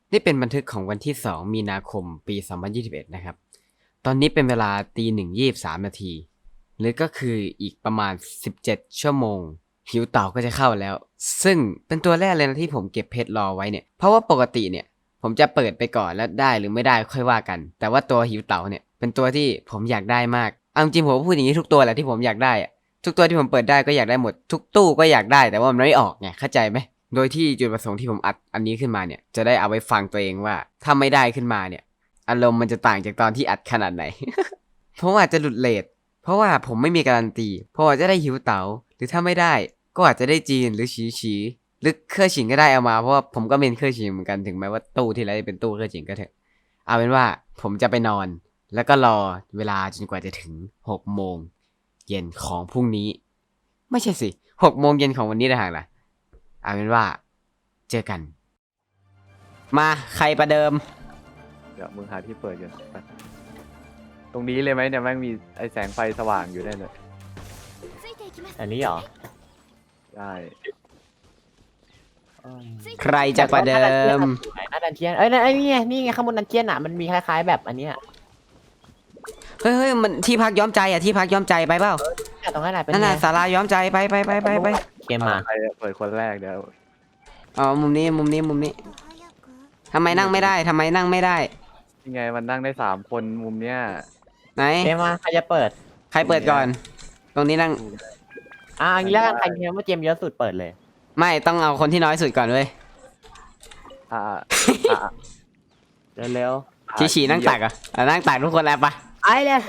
นี่เป็นบันทึกของวันที่2มีนาคมปี2021นะครับตอนนี้เป็นเวลา01:23 นาทีหรือก็คืออีกประมาณ17ชั่วโมงหิวเต่าก็จะเข้าแล้วซึ่งเป็นตัวแรกเลยนะที่ผมเก็บเพชรรอไว้เนี่ยเพราะว่าปกติเนี่ยผมจะเปิดไปก่อนแล้วได้หรือไม่ได้ค่อยว่ากันแต่ว่าตัวหิวเต่าเนี่ยเป็นตัวที่ผมอยากได้มากเอาจริงผมพูดอย่างนี้ทุกตัวแหละที่ผมอยากได้อะทุกตัวที่ผมเปิดได้ก็อยากได้หมดทุกตู้ก็อยากได้แต่ว่ามันไม่ออกไงเข้าใจไหม โดยที่จุดประสงค์ที่ผมอัดอันนี้ขึ้นมาเนี่ยจะได้เอาไว้ฟังตัวเองว่าถ้าไม่ได้ขึ้นมาเนี่ยอารมณ์มันจะต่างจากตอนที่อัดขนาดไหน เพราะว่าอาจจะหลุดเรทเพราะว่าผมไม่มีการันตีเพราะว่าจะได้หิวเต๋าหรือถ้าไม่ได้ก็อาจจะได้จีนหรือฉีหรือเครือฉิงก็ได้เอามาเพราะว่าผมก็เป็นเครือฉิงเหมือนกันถึงแม้ว่าตู้ที่ไรจะเป็นตู้เครือฉิงก็เถอะเอาเป็นว่าผมจะไปนอนแล้วก็รอเวลาจนกว่าจะถึง6 โมงเย็นของพรุ่งนี้ไม่ใช่สิ6 โมงเย็นของวันนี้นะฮะล่ะ เอาเป็นว่าเจอกัน มาใครประเดิมเดี๋ยวมึงหาที่เปิดกันไปตรงนี้เลยไหมเนี่ยแม่งมีไอแสงไฟสว่างอยู่ได้เลยอันนี้เหรอได้ใครจะประเดิมหน้าดันเจียนเอ้ยนี่ไงข้างบนดันเจียนอ่ะมันมีคล้ายๆแบบอันเนี้ยเฮ้ยมันที่พักย้อมใจอ่ะที่พักย้อมใจไปเปล่าตรงนั้นแหละเป็นนั่นไงน่ะศาลาย้อมใจไปเกมมาใครเปิดคนแรกเดี๋ยวอ๋อมุมนี้ทำไมนั่งไม่ได้ยังไงมันนั่งได้3 คนมุมเนี้ยไหนเกมมาใครจะเปิดใครเปิดก่อน ตรงนี้นั่งอันนี้แล้วกันใครเกมว่าเกมเยอะสุดเปิดเลยไม่ต้องเอาคนที่น้อยสุดก่อนเว้ยอ่าเร็วฉีนั่งตักอ่ะนั่งตักทุกคนแล้วปะๆไอ้เลย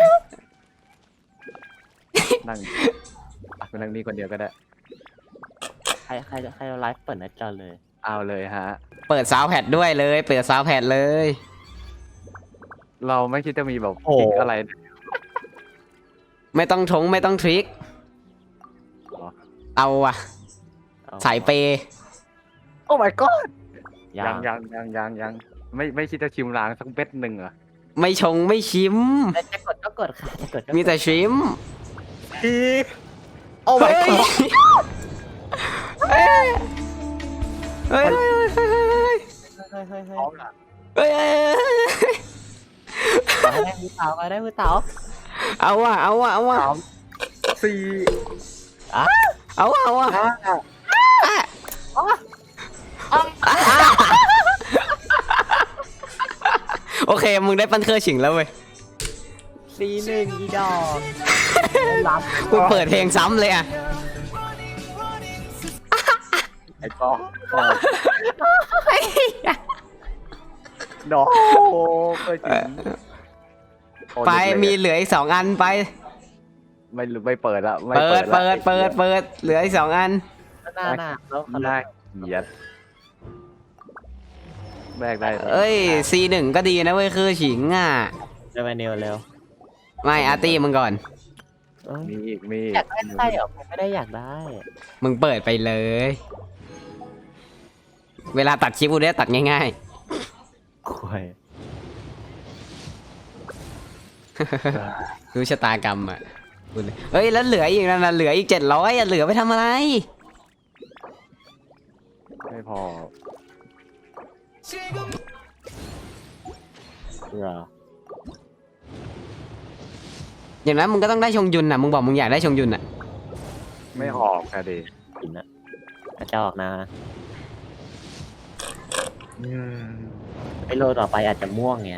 นั่งไปนั่งนี่คนเดียวก็ได้ใครไลฟ์เปิดหน้าจอเลยเอาเลยฮะเปิดซาวด์แพดด้วยเลย เปิดซาวด์แพดเลยเราไม่คิดจะมีแบบโอ้คลิกอะไรไม่ต้องทงไม่ต้องทริคหรอเอาอ่ะสายเปย์โอ้ my god ยัยังไม่คิดจะชิมล้างสักเบ็ดหนึ่งเหรอไม่ชงไม่ชิมจะกดก็กดค่ะจะกดก็มีแต่ชิมโอ้ my god เฮ้ยเฮ้ยเฮ้ยได้มือเต๋าได้มือเต๋าเอาว่ะ 4 เอาว่ะ โอเค มึงได้ปั้นเครือฉิงแล้วเว้ย C1อีดอกรับกูเปิดเพลงซ้ำเลยอ่ะไอ้ก็ดอกก็จริงไปมีเหลืออีก2 อันไปไม่เปิดละไม่เปิดละเหลืออีก2 อันหน้าแล้วน่าเกลียดแบกได้เอ้ย C1 ก็ดีนะเว้ยคือฉิงอ่ะเร็วเร็วเร็วไม่อาร์ตี้มึงก่อนมีอีกอยากได้ใช่เหรอผมไม่ได้อยากได้มึงเปิดไปเลย เวลาตัดคลิปกูได้ตัดง่ายควายๆ รู้ชะตากรรมอ่ะพูดเลยเฮ้ย แล้วเหลืออีกนะเหลืออีก700อ่ะเหลือไปทำอะไรไม่พอเหรออย่างนั้นมึงก็ต้องได้ชงยุนอ่ะ มึงบอกมึงอยากได้ชงยุนอ่ะไม่ออกอะดิกินนะอาจจะออกนะไอโลต่อไปอาจจะม่วงไง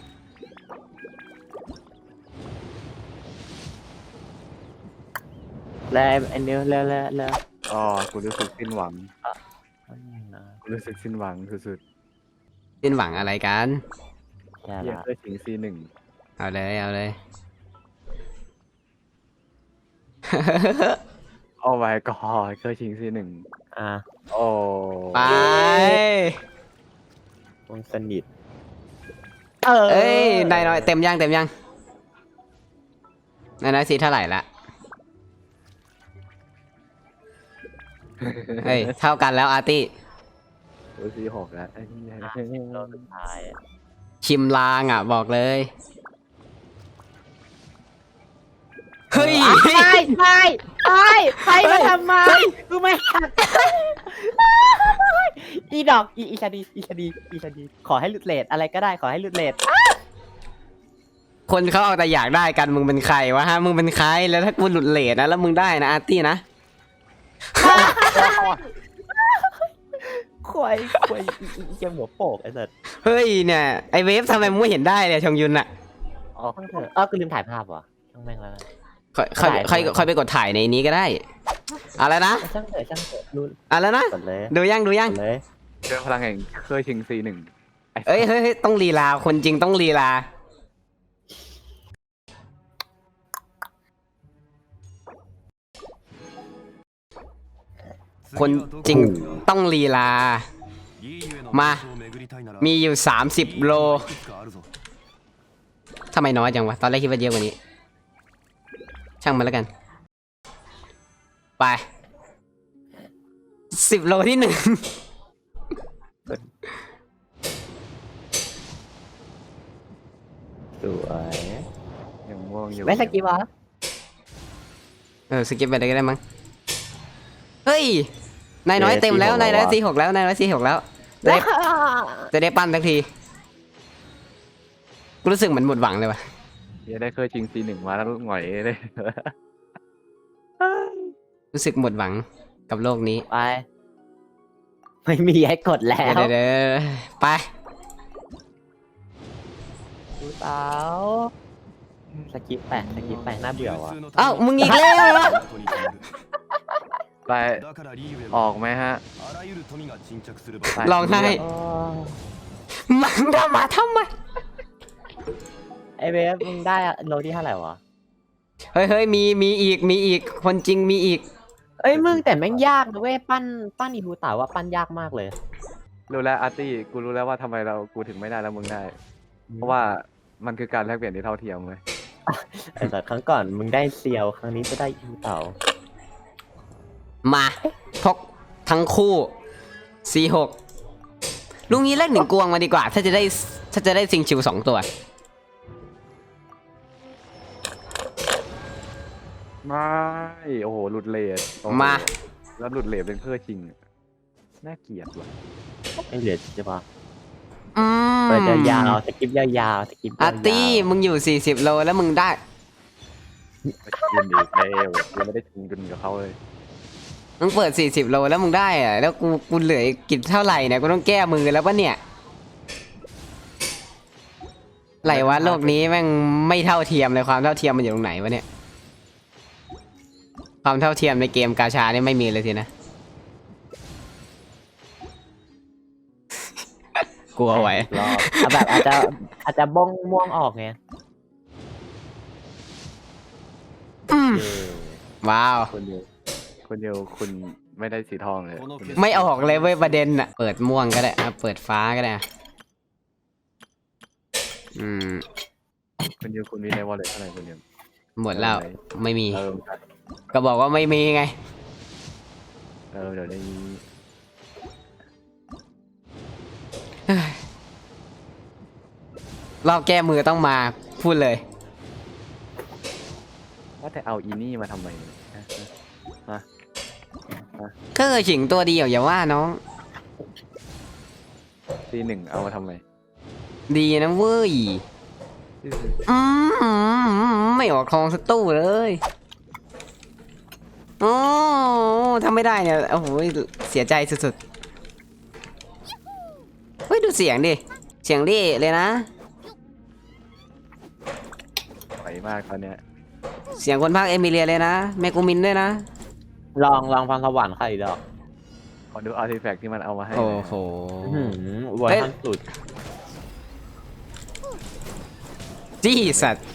แล้วไอเนี้ยแล้วอ๋อกูรู้สึกสิ้นหวังกูรู้สึกสิ้นหวังสุดสิ้นหวังอะไรกันแย่ๆเยี่ยละเพื่อชิงC1 เอาเลยโอ้ my god เคยชิงC1 อ่ะโอ้ไปวงสนิทเอ้ยนายน้อยเต็มยังนายน้อยสีเท่าไหร่ละ เฮ้ย เท่ากันแล้วอาร์ตี้กูC6แล้วไอ้เหี้ยโลสุดท้ายชิมลางอ่ะบอกเลย เฮ้ยไปมาทำไมกูไม่หักอีดอกอีชาดีขอให้หลุดเลทอะไรก็ได้ขอให้หลุดเลทคนเขาเอาแต่อยากได้กันมึงเป็นใครวะฮะมึงเป็นใครแล้วถ้ากูหลุดเลทนะแล้วมึงได้นะอาร์ตี้นะควายอีเกมหัวโปกไอ้สัสเฮ้ยเนี่ยไอเวฟทำไมมึงไม่เห็นได้เลยชงยุนอะอ๋อข้างเถอะกูลืมถ่ายภาพว่ะช่างแม่งแล้วนะค่อยไปกดถ่ายในนี้ก็ได้อะไรนะช่างเถอะรู้อะไรนะกดเลยดูยังกดเลยเจอพลังแห่งเคยชิง C1 เอ้ยเฮ้ยต้องลีลาคนจริงต้องลีลาคนจริงต้องลีลา มา มีอยู่30โลทำไมน้อยจังวะตอนแรกคิดว่าเยอะกว่านี้ ช่างมันแล้วกัน ไป10โลที่ 1 สวยยังม่วงอยู่ไม่สกิปวะสกิปไปเลยก็ได้มั้งเฮ้ยนายน้อยเต็มแล้วนายน้อย46แล้วนายน้อย46แล้วจะได้ปั้นสักทีกูรู้สึกเหมือนหมดหวังเลยวะเดี๋ยวได้เคยชิง C1 มาแล้วหงอยเลยรู้สึกหมดหวังกับโลกนี้ไปไม่มีให้กดแล้วเดี๋ยวไปดูเต๋าสกิปแปะน่าเบื่อว่ะเอ้ามึงอีกแล้วเหรอไปออกไหมฮะร้องไห้โอ้มึงทำไมไอเวฟมึงได้โลที่เท่าไหร่วะเฮ้ยมีอีกคนจริงมีอีกเอ้ยมึงแต่แม่งยากนะเว้ยปั้นอีบูเต๋าว่าปั้นยากมากเลยรู้แล้วอาร์ตี้กูรู้แล้วว่าทำไมกูถึงไม่ได้แล้วมึงได้ เพราะว่ามันคือการแลกเปลี่ยนที่เท่าเทียมเลยไอ้สัตว์ครั้งก่อนมึงได้เซียวครั้งนี้จะได้อีบูเต๋ามาพกทั้งคู่ C6 ลุงนี้แลก1 กวงมาดีกว่า ถ้าจะได้ซิงชิว2 ตัวไม่โอ้โหหลุดเลทโอ้โหมาแล้วหลุดเลทเป็นเพื่อชิงน่าเกลียดว่ะไม่เหลือใช่ปะอืมเปิดยาวๆสกิปยาวๆสกิปยาวๆอาร์ตี้มึงอยู่40โลแล้วมึงได้ยินดีแล้วยังไม่ได้ชิงดุนกับเขาเลยมึงเปิด40โลแล้วมึงได้อะแล้วกูเหลือกินเท่าไหร่เนี่ยกูต้องแก้มือแล้วปะเนี่ยไหลวะโลกนี้แม่งไม่เท่าเทียมเลยความเท่าเทียมมันอยู่ตรงไหนวะเนี่ยความเท่าเทียมในเกมกาชานี่ไม่มีเลยสินะ กลัวไว้รอบเอาแบบอาจจะบ้องม่วงออกไงว้าวคนเดียวคุณไม่ได้สีทองเลยคุณเดียวไม่ออกเลยเว้ยประเด็นอะเปิดม่วงก็ได้อะเปิดฟ้าก็ได้อะอืมคุณเดียวคุณมีในวอลเล็ตเท่าไหร่คุณเดียวหมดแล้วไม่มีเออก็บอกว่าไม่มีไงเดี๋ยวได้รอบแก้มือต้องมาพูดเลยว่าแต่เอาอีนี่มาทำไมฮะก็เคยฉิงตัวเดียวอย่าว่าน้อง C1 เอามาทำไมดีนะเว้ยไม่ออกทองสักตู้เลยโอ้ทำไม่ได้เนี่ยโอ้โหเสียใจสุดๆเฮ้ยดูเสียงดิเสียงดิเลยนะไหวมากตอนเนี้ยเสียงคนภาคเอมิเลียเลยนะแมกูมินด้วยนะลองพรสวรรค์ใครดอกขอดูอาร์ติแฟกต์ที่มันเอามาให้โอ้โหเวอร์ชันสุดจี้สัตว์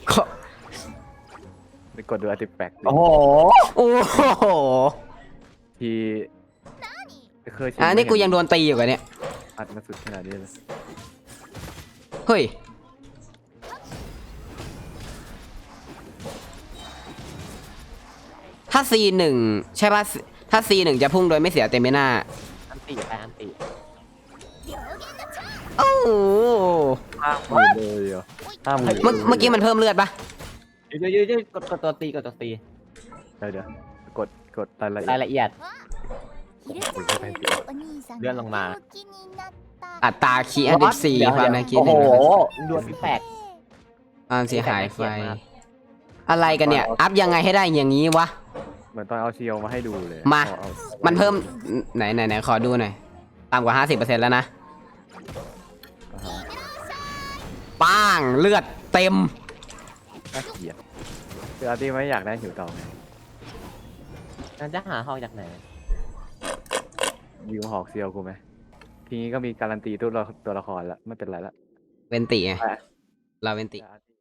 ไปกดดูอาร์ติแฟกต์โอ้โหโอ้โหที่เคยชินี่กูยังโดนตีอยู่กันเนี่ยอัดมาสุดขนาดนี้เลยเฮ้ยถ้า C1 ใช่ป่ะถ้า C1 จะพุ่งโดยไม่เสียเตมิน่าอันติโอ้โหห้าหมื่นเลยเหรอห้ามเมื่อกี้มันเพิ่มเลือดปะยืดกดตัวตีเดี๋ยวกดรายละเอีรายยดละเอียดเลื่อนลงมาอัตราคีย์อันดับสี่เดี๋ยวความเดี๋น่ายวคิดโอ้หนึ่โหงดวลแปลกความเสียหายไฟแต่น่าเกลียดมากอะไรกันเนี่ย อัพยังไงให้ได้อย่างนี้วะเหมือนตอนเอาเซียวมาให้ดูเลยมาเอามันเพิ่มไหนขอดูหน่อยต่ำกว่า 50%แล้วนะอ่าฮะป้างเลือดเต็มน่าเกลียดคืออาร์ตี้ไม่อยากได้หิวเต่าไงนั่นจะหาหอกจากไหนยิวหอกเซียวกูไหมทีนี้ก็มีการันตีตัวละครละไม่เป็นไรละเวนติไงไปเราเวนติแต่อาร์ตี้